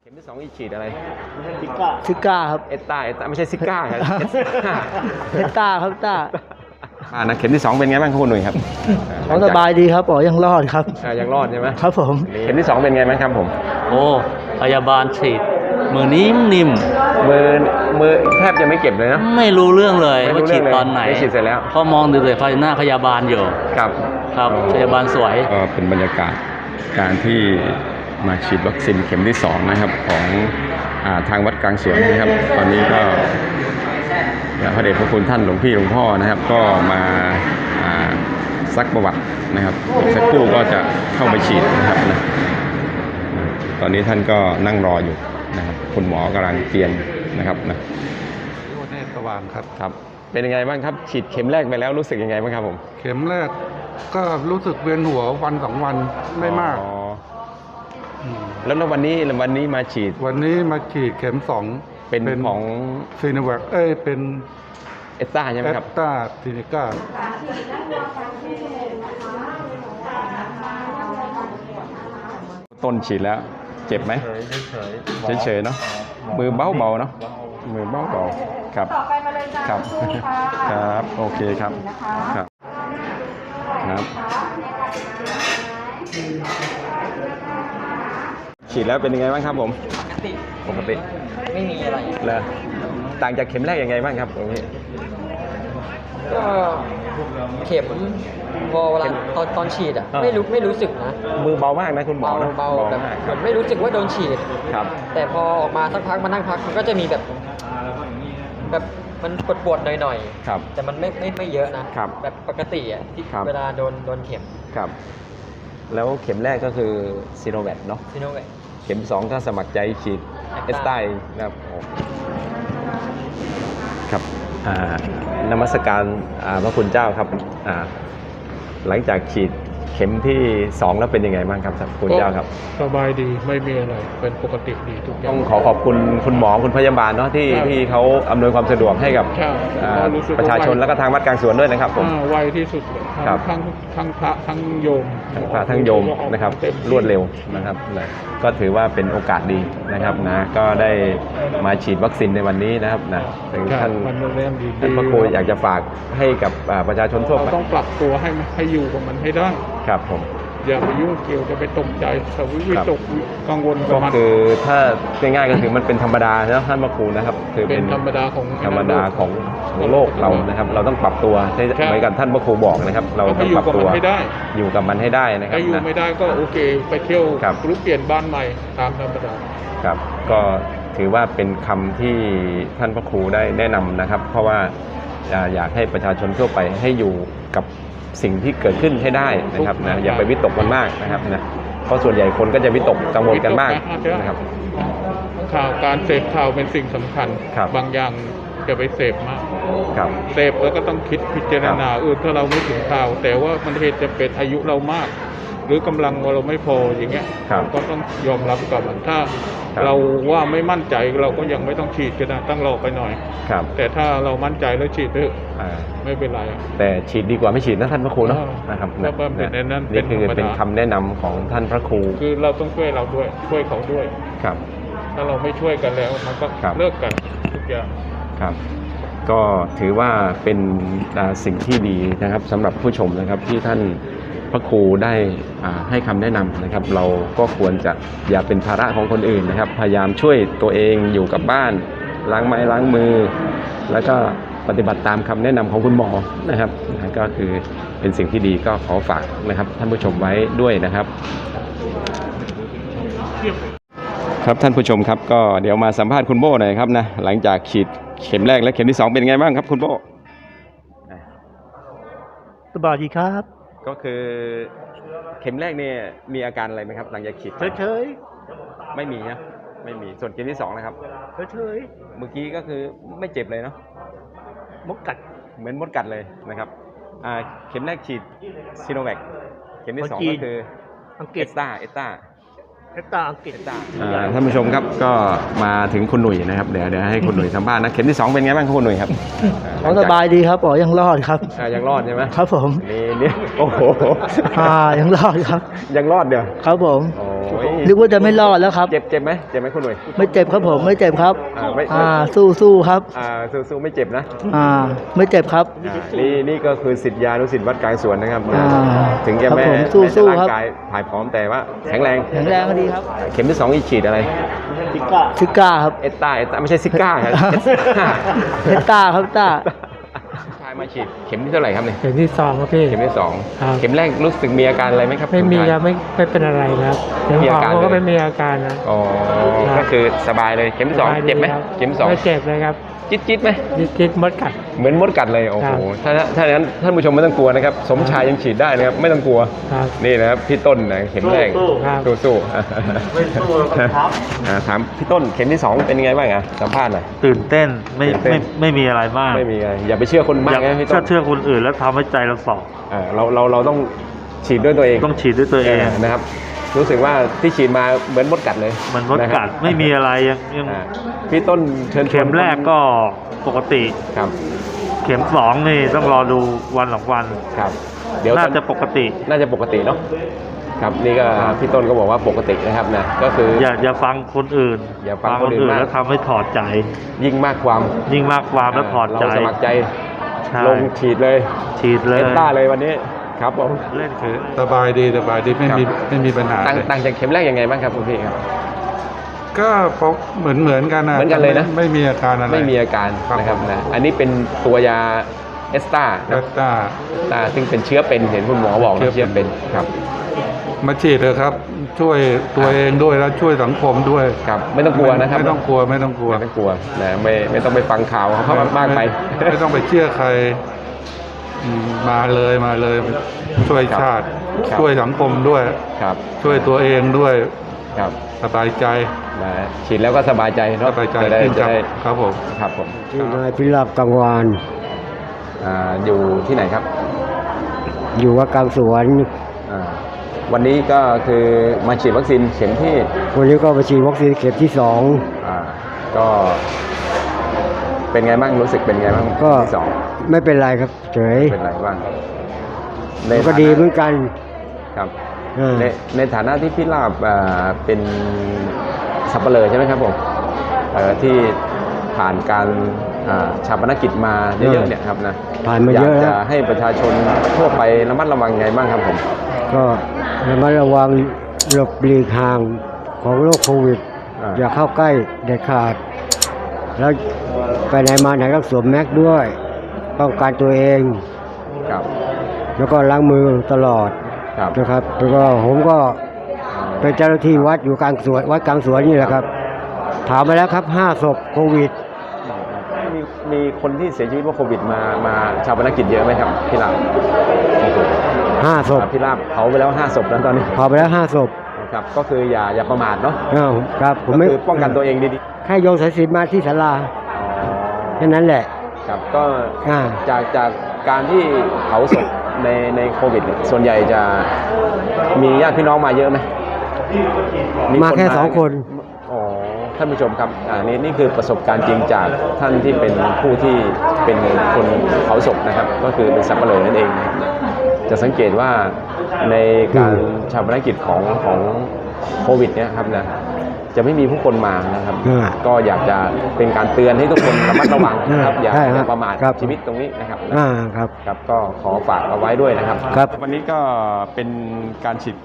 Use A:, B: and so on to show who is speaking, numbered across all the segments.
A: ข็มที่2อีกฉีดอะไร
B: ซิก้าครับ
A: เอสตาไม่ใช่ซิก้าครับ
B: เอสตาครับต้า
A: นะเข็มที่2เป็นไงบ้างคุณหนุ่ยครับ
B: สบายดีครับยังรอดครับ
A: ยังรอดใช่ไหม
B: ครับผม
A: เข็มที่2เป็นไงบ้างครับผม
C: โอ้พยาบาลฉีดมือนิ่ม
A: มือแทบจะไม่เก็บเลยนะ
C: ไม่รู้เรื่องเลยว่าฉีดตอนไหน
A: ฉีดเสร็จแล้ว
C: เพราะมองดูเลยหน้าพยาบาลอยู่
A: ครับ
C: พยาบาลสวย
A: ก็เป็นบรรยากาศการที่มาฉีดวัคซีนเข็มที่2นะครับของทางวัดกลางสวนนะครับตอนนี้ก็พระเดชพระคุณท่านหลวงพี่หลวงพ่อนะครับก็มาซักประวัตินะครับสักครู่ก็จะเข้าไปฉีดนะครับนะตอนนี้ท่านก็นั่งรออยู่นะครับคุณหมอกำลังเตรียมนะครับนะ
D: เนตรสว่างครับ
A: ครับเป็นยังไงบ้างครับฉีดเข็มแรกไปแล้วรู้สึกยังไงบ้างครับผม
D: เข็มแรกก็รู้สึกเวียนหัววัน2 วันไม่มาก
A: แล้ววันนี้มาฉีด
D: วันนี้มาฉีดเข็ม2
A: เป็นของ
D: ซีโนแวคเป็น
A: เอสตาใช่ไหมครับ
D: เอสตาซีเนก้า
A: ต้นฉีดแล้วเจ็บไหมเฉยเนาะมือเบาเนาะมือเบาครับครับครับโอเคครับครับฉีดแล้วเป็นยังไงบ้างครับผมปกติ
B: ไม่มีอะไร
A: เลยต่างจากเข็มแรกยังไงบ้างครับตรงนี้
B: ก็เข็มพอเวลาตอนฉีดอ่ะไม่รู้สึกนะ
A: มือเบามากนะคุณหมอ
B: เบาแบบเหมือนไม่รู้สึกว่าโดนฉีด
A: ครับ
B: แต่พอออกมาสักพักมานั่งพักมันก็จะมีแบบมันปวดหน่อย
A: ๆครับ
B: แต่มันไม่เยอะนะครับแบบปกติอ่ะที่เวลาโดนเข็ม
A: ครับแล้วเข็มแรกก็คือซีโนแวคเนาะ
B: ซีโนแวค
A: เข็ม2ถ้าสมัครใจฉีดเอสไตนะครับครับนมัสการพระคุณเจ้าครับหลังจากฉีดเข็มที่2แล้วเป็นยังไงบ้างครับคุณเจ้าครับ
D: สบายดีไม่มีอะไรเป็นปกติดีทุกอย่าง
A: ต้องขอบคุณคุณหมอคุณพยาบาลเนาะที่เขาอำนวยความสะดวกให้กับประชาชนและก็ทางวัดกลางสวนด้วยนะครับผม
D: ไวที่สุดทั้งพระทั้งโยม
A: ทั้งพระทั้งโยมนะครับรวดเร็วนะครับก็ถือว่าเป็นโอกาสดีนะครับนะก็ได้มาฉีดวัคซีนในวันนี้นะครับนะถึงท่านพระครูอยากจะฝากให้กับประชาชนทั่วไป
D: ต้องปรับตัวให้อยู่กับมันให้ได้
A: ครับผม
D: อย่าไปยุ่งเกี่ยวจะไปตกใจสวิตกกังวล
A: ก็คือถ้าง่ายๆก็คือมันเป็นธรรมดานะท่านพระครูนะครับคือ
D: เป็นธรรมดา
A: ของโลกเรานะครับเราต้องปรับตัวเหมือนกับท่านพระครูบอกนะครับเราต้องปรับตัวอยู่กับมันให้ได้นะครับ
D: อยู่ไม่ได้ก็โอเคไปเที่ยวหรือเปลี่ยนบ้านใหม่ตามธรรมดา
A: ครับก็ถือว่าเป็นคำที่ท่านพระครูได้แนะนำนะครับเพราะว่าอยากให้ประชาชนทั่วไปให้อยู่กับสิ่งที่เกิดขึ้นให้ได้นะครับนะอย่าไปวิตกมันมากนะครับนะเพราะส่วนใหญ่คนก็จะวิตกกังวลกันมากนะครับ
D: การเสพข่าวเป็นสิ่งสำคัญบางอย่างจะไปเสพมากเสพแล้วก็ต้องคิดพิจารณาถ้าเราไม่ถึงข่าวแต่ว่ามันเหตุจะเป็นอายุเรามากหรือกำลังเราไม่พออย่างเงี้ยก็ต้องยอมรับกับมันถ้าเราว่าไม่มั่นใจเราก็ยังไม่ต้องฉีดก็ได้ต้องรอไปหน่อยแต่ถ้าเรามั่นใจแล้วฉีดไม่เป็นไร
A: แต่ฉีดดีกว่าไม่ฉีดนะท่านพระครูนะครับนี่คือเป็นคำแนะนำของท่านพระครู
D: คือเราต้องช่วยเราด้วยช่วยเขาด้วย
A: ครับ
D: ถ้าเราไม่ช่วยกันแล้วมันก็เลิกกันทุกอย่าง
A: ครับก็ถือว่าเป็นสิ่งที่ดีนะครับสำหรับผู้ชมนะครับที่ท่านพระครูได้ให้คำแนะนำนะครับเราก็ควรจะอย่าเป็นภาระของคนอื่นนะครับพยายามช่วยตัวเองอยู่กับบ้านล้างไม้ล้างมือแล้วก็ปฏิบัติตามคำแนะนำของคุณหมอนะครับก็คือเป็นสิ่งที่ดีก็ขอฝากนะครับท่านผู้ชมไว้ด้วยนะครับครับท่านผู้ชมครับก็เดี๋ยวมาสัมภาษณ์คุณโบ้หน่อยครับนะหลังจากฉีดเข็มแรกและเข็มที่2เป็นไงบ้างครับคุณโบ้
B: สบายดีครับ
A: ก็คือเข็มแรกเนี่ยมีอาการอะไรไหมครับหลังจากฉีด
B: เฉย
A: ไม่มีนะไม่มีส่วนเข็มที่2นะครับ
B: เฉย
A: เมื่อกี้ก็คือไม่เจ็บเลยเนาะ
B: มดกัด
A: เหมือนมดกัดเลยนะครับเข็มแรกฉีดซีโนแวคเข็มที่2ก็คือเอสตา
B: อังกฤษ
A: ท่านผู้ชมครับก็มาถึงคุณหนุ่ยนะครับเดี๋ยวให้คุณหนุ่ยสัมภาษณ์นะเข็มที่2เป็นไงบ้างคุณหนุ่ยครับ
B: สบายดีครับยังรอดครับ
A: ยังรอดใช่ไหม
B: ครับผม
A: นี่โอ้โห
B: ยังรอดครับ
A: ยังรอดเดี๋ยว
B: ครับผม
A: โอ้
E: นึกว่าจะไม่รอดแล้วครับ
A: เจ็บไหมคุณหนุ่ย
E: ไม่เจ็บครับผมไม่เจ็บครับ
A: ไม่
E: สู้ครับ
A: สู้ไม่เจ็บนะ
E: ไม่เจ็บครับ
A: นี่ก็คือศิษยานุศิษย์วัดกลางสวนนะครับ ถึงจะ
E: ครับ
A: แม่
E: ผมสู้
A: ร่า
E: ครับ
A: งกายถ่ายพร้อมแต่ว่าแข็งแรง
E: แข็งแรงก็ดีครับ
A: เข็มที่2อีกฉีดอะไร
E: ซิก้าครับ
A: เอสต้าไม่ใช่ซิก้าครับ
E: เฮตต้าครับต้า
A: ชายมาฉีดเข็มที่เท่าไหร่ครับเนี่ย
F: เข็มที่ 2ครับพี่
A: เข็มที่
F: ครับ
A: 2เข็มแรกรู้สึกมีอาการอะไรไหมครับ
F: ไม่มี
A: ณชาย
F: ครับไม่เป็นอะไรครับเข็ม
A: มี
F: ส
A: อา
F: อง
A: การ
F: ก็
A: เลย
F: ไม่มีอาการนะ
A: อ๋อ
F: ครับ
A: ก็คือสบายเลยเข็มที่สอง
F: สบายดี
A: เจ็บไหม
F: ครับ
A: เข็มที่สอง
F: ไม่เจ็บเลยครับ
A: จิ๊ดไหม
F: จิ๊ดมดกัด
A: เหมือนมดกัดเลยโอ้
F: ครั
A: โห
F: บ
A: ถ้าอย่างนั้นท่านผู้ชมไม่ต้องกลัวนะครับสมชายยังฉีดได้นะครับไม่ต้องกลัว
F: ครับ
A: นี่นะครับพี่ต้นนะเข็มแรก
F: ครับ
A: สู้ๆไม่สู้ครับถามพี่ต้นเข็มที่ 2 เป็นยังไงบ้างอ่ะสัมภาษณ์หน่อย
C: ตื่นเต้นไม่
A: ตื่นเต้น
C: ไม่มีอะไรมาก
A: ไม่มีอะไรอย่าไปเชื่อคนมาก
C: อยาก
A: นะพี่ต้น
C: เชื่อคนอื่นแล้วทำให้ใจเราสอบ
A: เราต้องฉีดด้วยตัวเอง
C: ต้องฉีดด้วยตัวเอง
A: นะครับ รู้สึกว่าที่ฉีดมาเหมือนมดกัดเลย
C: มันมด
A: ะค
C: กั
A: รั
C: ด
A: บ
C: ไม่มีอะไรยัง
A: อ่าพี่ต้นเชิญชวน
C: เข็มแรกก็ปกติ
A: ครับ
C: เข็มสองนี่ต้องรอดูวันสองวัน
A: ครับ เดี๋ยว
C: น่าจะปกติ
A: น่าจะปกติเนาะครับนี่ก็พี่ต้นก็บอกว่าปกตินะครับนะก็คือ
C: อย่าฟังคนอื่น
A: อย่าฟังคนอื่นมาก
C: แล้วทำให้ถอดใจ
A: ยิ่งมากความ
C: ยิ่งมากความแล้วถอดใจ
A: เราสมัครใจ
C: ใช่
A: ลงฉีดเลย
C: ฉีดเลย
A: เอสต้าเลยวันนี้ครับผม
C: เล่นคือ
D: สบายดีไม่มีปัญหา
A: ต่างจากเข็มแรกยังไงบ้างครับคุณพี่ครับ
D: ก็พบเหมือนกันนะ
A: เหมือนกันเลยนะ
D: ไม่มีอาการอะไร
A: ไม่มีอาการ
D: ครับ
A: นะครับนะอันนี้เป็นตัวยาเอสต้า
D: แอตตา
A: ซึ่งเป็นเชื้อเป็นเห็นคุณหมอบอกนะ
D: เชื้
A: เชื้อ
D: อเป็
A: เป็น
D: น
A: ครับ
D: มาฉีดเถอะครับ ช่วยตัวเองด้วยแล้วช่วยสังคมด้วย
A: ครับไม่ต้องกลัวนะครับ
D: ไม่ต้องกลัว
A: ไม่ต้องกลัวนะไม่ต้องไปฟังข่าวเขามากไป
D: ไม่ต้องไปเชื่อใครมาเลยช่วยชาติ
A: ครับ
D: ช่วยสังคมด้วย
A: ครับ
D: ช่วยตัวเองด้วย
A: ครับ
D: สบายใจ
A: นะฉีดแล้วก็สบายใจ
D: ส
A: เนาะ
D: บายใจ
A: จะได้
D: ขึ้น
A: จะได้
D: ครับผม
A: ครับผม
E: ชื่อนายพิราบกังวาน
A: อยู่ที่ไหนครับ
E: อยู่วัดกลางสวน
A: อ่าวันนี้ก็คือมาฉีดวัคซีนเข็มที่
E: วันนี้ก็ไปฉีดวัคซีนเข็มที่
A: ก็เป็นไงบ้างรู้สึกเป็นไงบ้าง
E: 2 ก็
A: ที่สอง
E: ไม่เป็นไรครับเฉย
A: เป็นไรบ้าง
E: มันก็ดีเหมือนกัน
A: ครับ
E: อ่า
A: ในฐานะที่พี่ลาบเป็นสับเปลอใช่ไหมครับผมที่ผ่านการชาปนกิจมาเยอะๆเนี่ยครับนะ
E: ผ่านมาเยอะ
A: อยาก
E: แล้
A: จะ
E: ว
A: ให้ประชาชนทั่วไประมัดระวังไงบ้างครับผม
E: ก็ระมัดระวังหลบหลีกห่างของโรคโควิด อย่าเข้าใกล้เด็ดขาด แล้วไปไหนมาไหนต้องสวมแมสด้วยป้องกันตัวเอง
A: ครับ
E: แล้วก็ล้างมือตลอด
A: ครับ
E: นะครับแล้วก็ผมก็เป็นเจ้าหน้าที่วัดอยู่กลางสวนวัดกลางสวนนี่แหละครับ ถามมาแล้วครับ5 ศพโควิด
A: มีคนที่เสียชีวิตเพราะโควิดมาชาปนกิจเยอะไหมครับพี่ลาบ
E: 5 ศพ
A: พี่ลาบเผาไปแล้ว5 ศพแล้วตอนนี้
E: พอไปแล้ว5 ศพ
A: ครับก็คืออย่าประมาทเนาะ
E: อ้าวครับผม
A: ก็
E: ไม่
A: คือป้องกันตัวเองดี
E: แค่โยนสายสิญจน์มาที่ศาลา
A: ๆ
E: แค่นั้นแหละ
A: ครับก็
E: อ่า
A: จากการที่เผาศพในโควิดเนี่ยส่วนใหญ่จะมีญาติพี่น้องมาเยอะไหม
E: มาแค่2 คน
A: อ๋อท่านผู้ชมครับนี่คือประสบการณ์จริงจากท่านที่เป็นผู้ที่เป็นคนเผาศพนะครับ ก็คือเป็นสับเปลือนั่นเองนะครับจะสังเกตว่าในการชาปนกิจของโควิดเนี่ยครับนะจะไม่มีผู้คนมานะครับ ก็อยากจะเป็นการเตือนให้ทุกคนระมัดระวังนะครับอย่า
E: ใช่ครับ
A: ประมาท
E: ครับ
A: ชีวิตตรงนี้นะครับ
E: ครับ
A: ครับก็ขอฝากเอาไว้ด้วยนะครับ
E: ครับ
A: วันนี้ก็เป็นการฉีด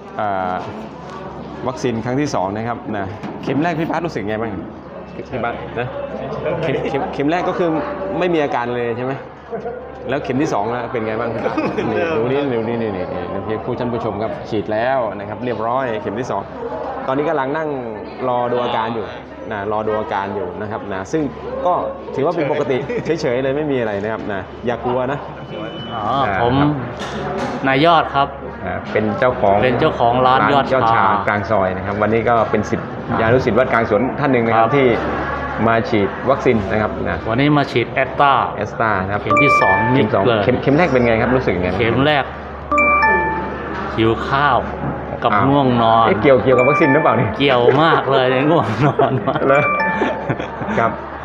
A: วัคซีนครั้งที่2นะครับนะเข็มแรกพี่พัดรู้สึกไงบ้างพี่พัดนะเข็มแรกก็คือไม่มีอาการเลยใช่ไหมแล้วเข็มที่2แล้วเป็นไงบ้างพี่พัดนี่ดูนี่พี่ผู้ท่านผู้ชมครับฉีดแล้วนะครับเรียบร้อยเข็มที่2ตอนนี้กำลังนั่งรอดูอาการอยู่นะรอดูอาการอยู่นะครับนะซึ่งก็ถือว่าเป็นปกติเฉยๆเลยไม่มีอะไรนะครับนะอย่ากลัวนะ
C: ผมนายยอดครับ
A: เป็นเจ้าของ
C: เป็นเจ้าของร้านยอดชาก
A: ลางซอยนะครับวันนี้ก็เป็นศิษยานุศิษย์วัดกลางสวนท่านหนึ่งนะค
C: ค
A: รั
C: รั
A: บบ ที่มาฉีดวัคซีนนะครับนะ
C: วันนี้มาฉีดแอตตา
A: เอสตานะครับ
C: เข็มที่2
A: เข็
C: นิ
A: ม
C: ด
A: สอง
C: เลย
A: เข็มแรกเป็นไงครับรู้สึกยังไง
C: เข็มแรกหิวข้าวกับง่วงนอน
A: เกี่ยวกับวัคซีนหรือเปล่านี่
C: เกี่ยวมากเลยง่วงนอนมาก
A: แล้วครับ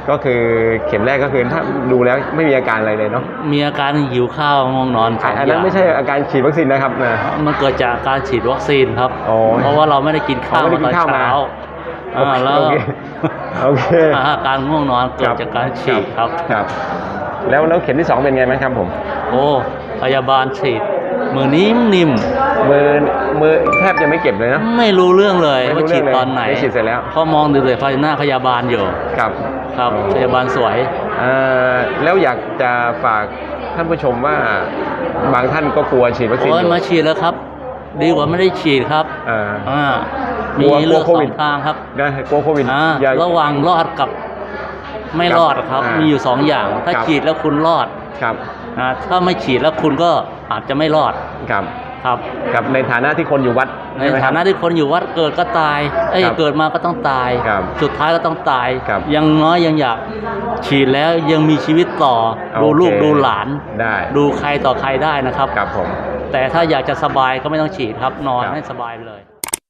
A: ก็คือเข็มแรกก็คือถ้าดูแล้วไม่มีอาการอะไรเลยเนาะ
C: มีอาการหิวข้าวง่วงนอนสอง
A: อัน
C: อ
A: นั้น
C: ย่าง
A: ไม่ใช่อาการฉีดวัคซีนนะครับนะ
C: มันเกิดจากการฉีดวัคซีนครับ
A: อ๋อ
C: เพราะว่าเราไม่ได้กินข้าว
A: ไม่ได้กิ
C: ตอน น
A: ข้าวมา
C: เช้าแล้ว
A: โอเคโอเค
C: อาการง่วงนอนเกิดจากการฉีดครับ
A: ครับ แล้วเข็มที่ 2เป็นไงไหมครับผม
C: โอ้พยาบาลฉีดมือนิ่ม
A: มือแทบจะไม่เก็บเลยนะ
C: ๆไม่รู้เรื่องเลย
A: ไม่รู้
C: ว่าฉีด
A: เรื่องเลย
C: ตอนไหน
A: ไม่ฉีดเสร็จแล้ว
C: พอมองดูเลยหน้าพยาบาลอยู่
A: ครับ
C: ครับพยาบาลสวย
A: แล้วอยากจะฝากท่านผู้ชมว่าบางท่านก็กลัวฉีดวัคซีน
C: โอ้ย
A: อยู่
C: มาฉีดแล้วครับ ดีกว่าไม่ได้ฉีดครับ
A: อ่า
C: อ่าก
A: ลั
C: มี
A: ว
C: เลือก
A: กลัวโค
C: สอ
A: วิด
C: งทางครับ
A: นะกลัวโควิด อย่า
C: ระหว่างรอดกับไม่รอดครับ
A: อ่ามี
C: มีอยู่สองอย่าง ถ้า
A: ครับ
C: ฉีดแล้วคุณรอด
A: ครับ
C: ถ้าไม่ฉีดแล้วคุณก็อาจจะไม่รอด
A: ครับ
C: ครับ
A: กับในฐานะที่คนอยู่วัด
C: ใน
A: ช่ไหมค
C: ฐา
A: รับ
C: นะที่คนอยู่วัดเกิดก็ตาย
A: ครับ
C: เกิดมาก็ต้องตาย
A: ครับ
C: สุดท้ายก็ต้องตาย
A: ครับ
C: ยังน้อยยังอยากฉีดแล้วยังมีชีวิตต่อ ดู
A: โอเค
C: ลูกดูหลาน
A: ได้
C: ดูใครต่อใครได้นะครับ
A: ครับผม
C: แต่ถ้าอยากจะสบายก็ไม่ต้องฉีดครับนอน
A: ครับ
C: ให้สบายไปเลย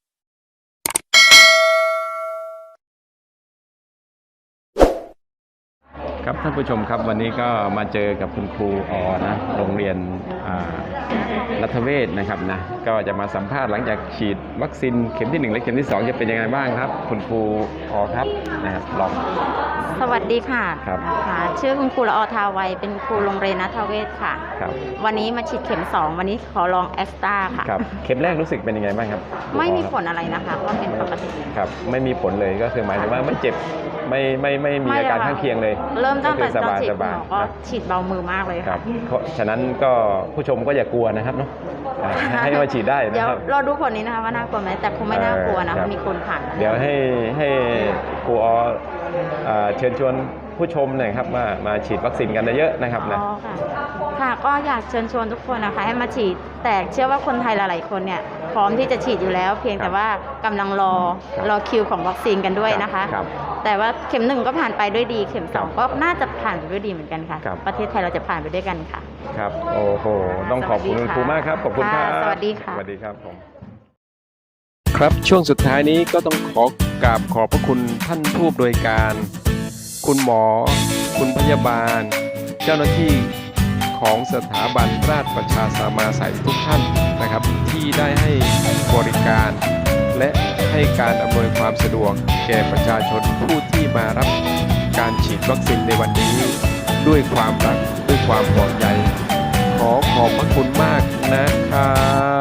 A: ครับท่านผู้ชมครับวันนี้ก็มาเจอกับคุณครูนะโรงเรียนรัฐเวชนะครับนะก็จะมาสัมภาษณ์หลังจากฉีดวัคซีนเข็มที่ 1 และเข็มที่ 2 จะเป็นยังไงบ้างครับ คุณครูครับนะครับลอง
G: สวัสดีค่ะ
A: ครับ
G: นะคะชื่อคุณครูละออทาวัยเป็นครูโรงเรียนนัทเวศค่ะ
A: ครับ
G: วันนี้มาฉีดเข็ม 2 วันนี้ขอลองแอสตราค่ะ
A: ครับเข็มแรกรู้สึกเป็นยังไงบ้างครับ
G: ไม่มี
A: ครู
G: ผลอะไรนะคะก็เป็นปกติ
A: ครับไม่มีผลเลยก็คือหมายถึงว่าไม่เจ็บไม่มีอาการข้างเคียงเลย
G: เริ่มตั้งแต่
A: ก็
G: ต
A: คือ
G: อนฉีด
A: ส
G: คุณ
A: บาย
G: หมอก็
A: ครับ
G: ฉีดเบามือมากเลย
A: ครั
G: ค่ะ
A: บเพราะฉะนั้นก็ผู้ชมก็อย่ากลัวนะครับเนาะให้มาฉีดได้นะ
G: เดี๋ยว
A: ครับ
G: รอดูผลนี้นะคะว่าน่ากลัวไหมแต่คงไม่น่ากลัวนะ
A: ครั
G: คะ
A: บ
G: มีคนผ่านมา
A: เดี๋ยวให้ครูเชิญชวนผู้ชมหน่อยครับมาฉีดวัคซีนกันเยอะๆนะครับนะ
G: อ๋อค่ะค่ะก็อยากเชิญชวนทุกคนนะคะให้มาฉีด แต่เชื่อว่าคนไทยหลายๆคนเนี่ยพร้อมที่จะฉีดอยู่แล้ว เพียงแต่ว่ากำลังรอคิวของวัคซีนกันด้วยนะคะ
A: ครับ
G: แต่ว่าเข็ม 1 ก็ผ่านไปด้วยดี เข็ม
A: ครับ
G: 2 ก็น่าจะผ่านไปด้วยดีเหมือนกันค่ะ
A: ครับ
G: ประเทศไทยเราจะผ่านไปด้วยกันค่ะ
A: ครับโอ้โหต้องขอบคุณคุณครูมากครับขอบคุณครับ
G: ค่ะสวัสดีค่ะ
A: สวัสดีครับผมครับช่วงสุดท้ายนี้ก็ต้องกราบขอบพระคุณท่านผู้อำนวยการ คุณหมอ คุณพยาบาล เจ้าหน้าที่ของสถาบันราชประชาสามาสัยทุกท่านนะครับ ที่ได้ให้บริการ และให้การอำนวยความสะดวกแก่ประชาชนผู้ที่มารับการฉีดวัคซีนในวันนี้ ด้วยความรักด้วยความห่วงใยขอบพระคุณมากนะครับ